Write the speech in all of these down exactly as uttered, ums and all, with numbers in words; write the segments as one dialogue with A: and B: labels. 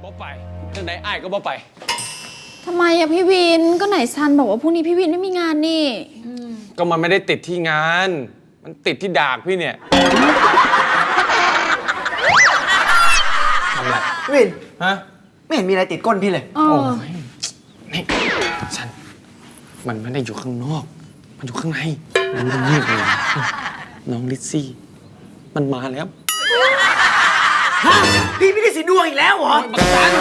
A: บ่ไปจังไหนอ้ายก็บ่ไป
B: ทำไมอะพี่วินก็ไหนซันบอกว่าพรุ่งนี้พี่วินไม่มีงานนี่
A: ก็มันไม่ได้ติดที่งานมันติดที่ดากพี่เนี่ยทำไร
C: วิน
A: ฮะ
C: ไม่เห็นมีอะไรติดก้นพี่เลย
B: โอ้
A: ยนี่ซันมันไม่ได้อยู่ข้างนอกมันอยู่ข้างในมันเงียบเลยน้องลิซซี่มันมาแล้ว
C: พี่ไม่ได้สีดวงอีกแล้วเหรอ
A: บักซัน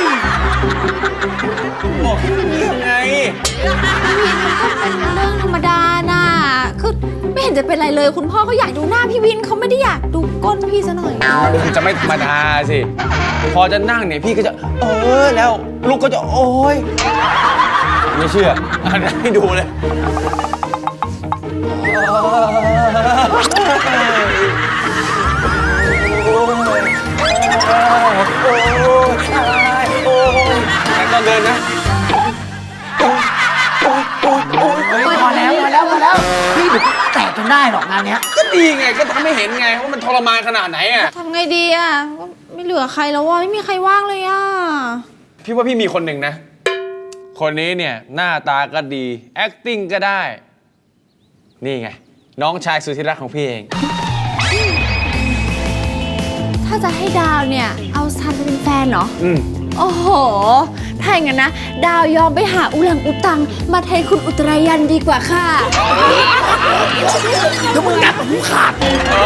A: บอกให้เงียบไง
B: พี่วินมันก็เป็นเรื่องธรรมดาน่ะคือไม่เห็นจะเป็นไรเลยคุณพ่อก็อยากดูหน้าพี่วินเขาไม่ได้อยากดูก้นพี่ซะหน่อย
A: มันจะไม่ธรรมดาสิพอจะนั่งเนี่ยพี่ก็จะเออแล้วลูกก็จะโอ๊ยไม่เชื่ออ่านให้ดูเลยแต่ก็เดินนะ
C: พอแล้วพอแล้วพอแล้วพี่เดี๋ยวแตกจนได้หรอกงานเนี้ย
A: ก็ดีไงก็ทำให้เห็นไงว่ามันทรมานขนาดไหนอ่ะ
B: ทำไงดีอ่ะไม่เหลือใครแล้วว่ะไม่มีใครว่างเลยอ่ะ
A: พี่ว่าพี่มีคนหนึ่งนะคนนี้เนี่ยหน้าตาก็ดี acting ก็ได้นี่ไงน้องชายสุดที่รักของพี่เอง
B: ถ้าจะให้ดาวเนี่ยเอาซันไปเป็นแฟนเหรอ
A: อืม
B: โอ้โหถ้าอย่างนั้นนะดาวยอมไปหาอุลังอุตังมาแทนคุณอุตรายันดีกว่าค่ะ
C: เดี๋ยวมึงงัดหูขาด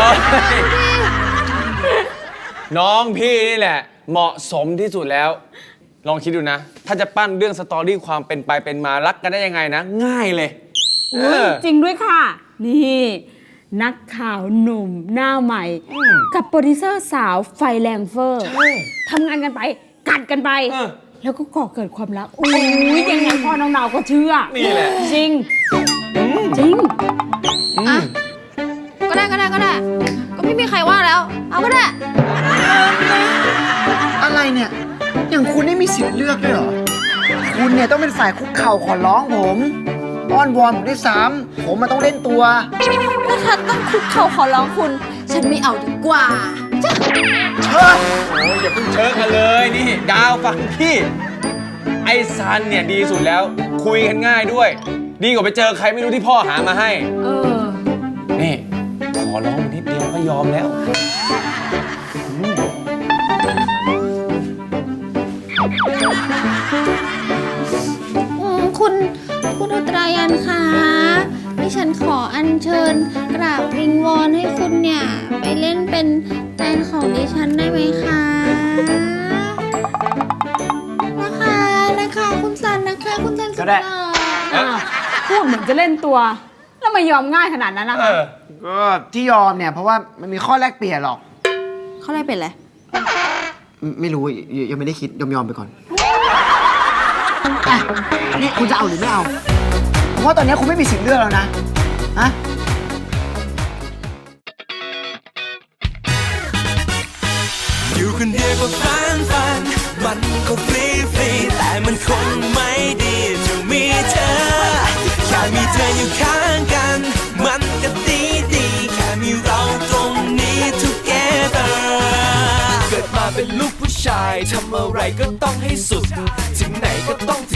A: น้องพี่นี่แหละเหมาะสมที่สุดแล้วลองคิดดูนะถ้าจะปั้นเรื่องสตอรี่ความเป็นไปเป็นมารักกันได้ยังไงนะง่ายเลย
D: จริงด้วยค่ะนี่นักข่าวหนุ่มหน้าใหม่กับโปรดิวเซอร์สาวไฟแรงเฟอร์ทำงานกันไปกัดกันไปแล้วก็ก่อเกิดความรักอุ้ยยังไงพ่อน้องนาวก็เชื่อ
A: นี่แหละ
D: จริงจริง
B: อ่ะก็ได้ก็ได้ก็ได้ก็ไม่มีใครว่าแล้วเอาก็ได้
C: อะไรเนี่ยอย่างคุณไม่มีสิทธิ์เลือกด้วยเหรอคุณเนี่ยต้องเป็นฝ่ายคุกเข่าขอร้องผมอ้อนวอนผมด้วยซ้ำผมมันต้องเล่นตัว
B: ถ้าฉันต้องคุกเข่าขอร้องคุณฉันไม่เอาดีกว่าจ้ะ
C: เชิญ
A: โอ้ยอย่าเพิ่งเชิญกันเลยนี่ดาวฟังพี่ไอ้ซันเนี่ยดีสุดแล้วคุยกันง่ายด้วยดีกว่าไปเจอใครไม่รู้ที่พ่อหามาให้
B: เออ
A: นี่ขอร้องนิดเดียวก็ยอมแล้ว
B: คุณคุณอุตรายันคะดิฉันขออัญเชิญกราบวิงวอนให้คุณเนี่ยไปเล่นเป็นแฟนของดิฉันได้ไหมคะนะคะนะคะคุณซันนะคะคุณซันสุดหล่อ
D: พูดเหมือนจะเล่นตัวแล้วไม่ยอมง่ายขนาดนั้นนะคะ
C: ก็ที่ยอมเนี่ยเพราะว่ามันมีข้อแลกเปลี่ยนหรอก
B: ข้อแรกเป็นอะไร
C: ไม่รู้ยังไม่ได้คิดยอมยอมไปก่อนนี่คุณจะเอาหรือไม่เอาเพราะตอนนี้คุณไม่มีสิทธิ์เลือกแล้วนะฮะ
E: อยู่คนเดียวก็ฟันฟันมันก็ฟรีฟรีแต่มันคงไม่ดีจะมีเธอแค่มีเธออยู่ข้างกันมันก็ดีดีแค่มีเราตรงนี้ together เกิดมาเป็นลูกผู้ชายทำอะไรก็ต้องให้สุดถึงไหนก็ต้อง